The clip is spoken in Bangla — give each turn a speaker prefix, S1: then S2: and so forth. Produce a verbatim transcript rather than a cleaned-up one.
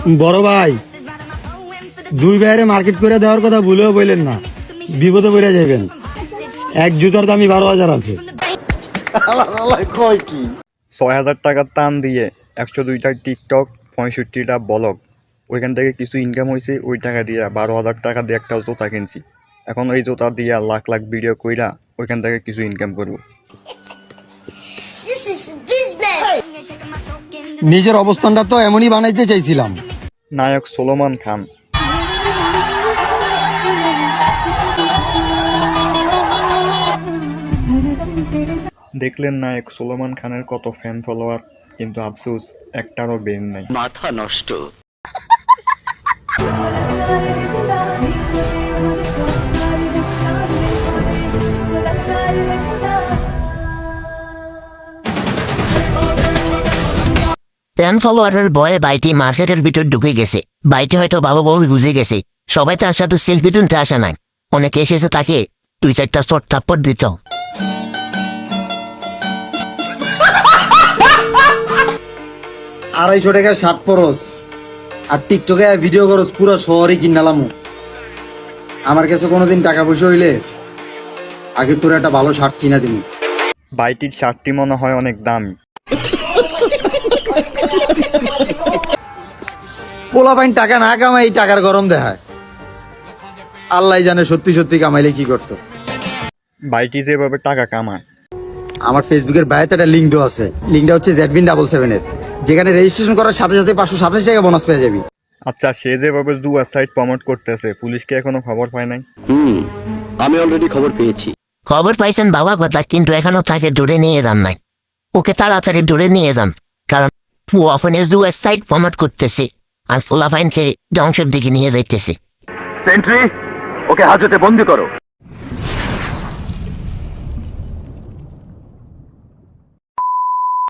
S1: বড় ভাই, দুই ভাইয়ের মার্কেট করে দেওয়ার কথা ভুলেও বললেন না, বিপদে পড়ে যাবেন। এক জুতার দামই বারো হাজার আছে।
S2: ছয় হাজার টাকার টান দিয়ে একশো দুইটা টিকটক, পঁয়ষট্টিটা ব্লগ, ওইখান থেকে কিছু ইনকাম হয়েছে। ওই টাকা দিয়ে বারো হাজার টাকা দিয়ে একটা জুতা কিনছি। এখন ওই জুতা দিয়ে লাখ লাখ ভিডিও কইরা ওইখান থেকে কিছু ইনকাম করবো।
S1: নিজের অবস্থানটা তো এমনই বানাইতে চাইছিলাম।
S2: নায়ক সোলোমান খান। দেখলেন নায়ক সোলোমান খানের কত ফ্যান ফলোয়ার, কিন্তু আফসোস একটারও বের নাই।
S3: মাথা নষ্ট।
S4: ফ্যান ফলোয়ারের ভয়ে বাইটি মার্কেটের ভিতর ঢুকে গেছে। বাইটি হয়তো ভালোভাবে বুঝে গেছে সবাই তার সাথে সেলফি তুলতে আসা নাই। অনেকে এসেছে তাকে দুই চারটা শর্ট থাপ্পড় দিত।
S1: আড়াইশো টাকার শার্ট পরস আর টিকটকে ভিডিও করস, পুরো শহরে কিনালাম। আমার কাছে কোনোদিন টাকা পয়সা হইলে আগে তোর একটা ভালো শার্ট কিনা দিবি।
S2: বাইটির শার্টটি মনে হয় অনেক দামি।
S1: পোলা পাইন টাকা না কামাই টাকার গরম দেখায়। আল্লাহ জানে সত্যি সত্যি কামাইলে কি করতো।
S2: বাইটি যেভাবে টাকা কামায়।
S1: আমার ফেসবুকের বায়োতে একটা লিঙ্ক দেওয়া আছে। লিঙ্কটা হচ্ছে জেডবিন ডাবল সেভেন এর, যেখানে রেজিস্ট্রেশন করার সাথে সাথে পাঁচশো সাতাশ টাকা বোনাস পেয়ে যাবি।
S2: আচ্ছা, সে যেভাবে জুয়া সাইট প্রমোট করতেছে, পুলিশকে এখনো খবর পায় নাই?
S3: হুম, আমি অলরেডি খবর পেয়েছি।
S4: খবর পাইছেন বাবা কথা, কিন্তু এখনো তাকে দূরে নিয়ে যান নাই। ওকে তাড়াতাড়ি দূরে নিয়ে যান, কারণ ওয়াফেনেস দু সাইড প্রমোট করতেছে আর ফোলাফাইনকে ধ্বংসের দিকে নিয়ে যাইতেছে।
S3: সেন্ট্রি, ওকে হাজতে বন্দি করো।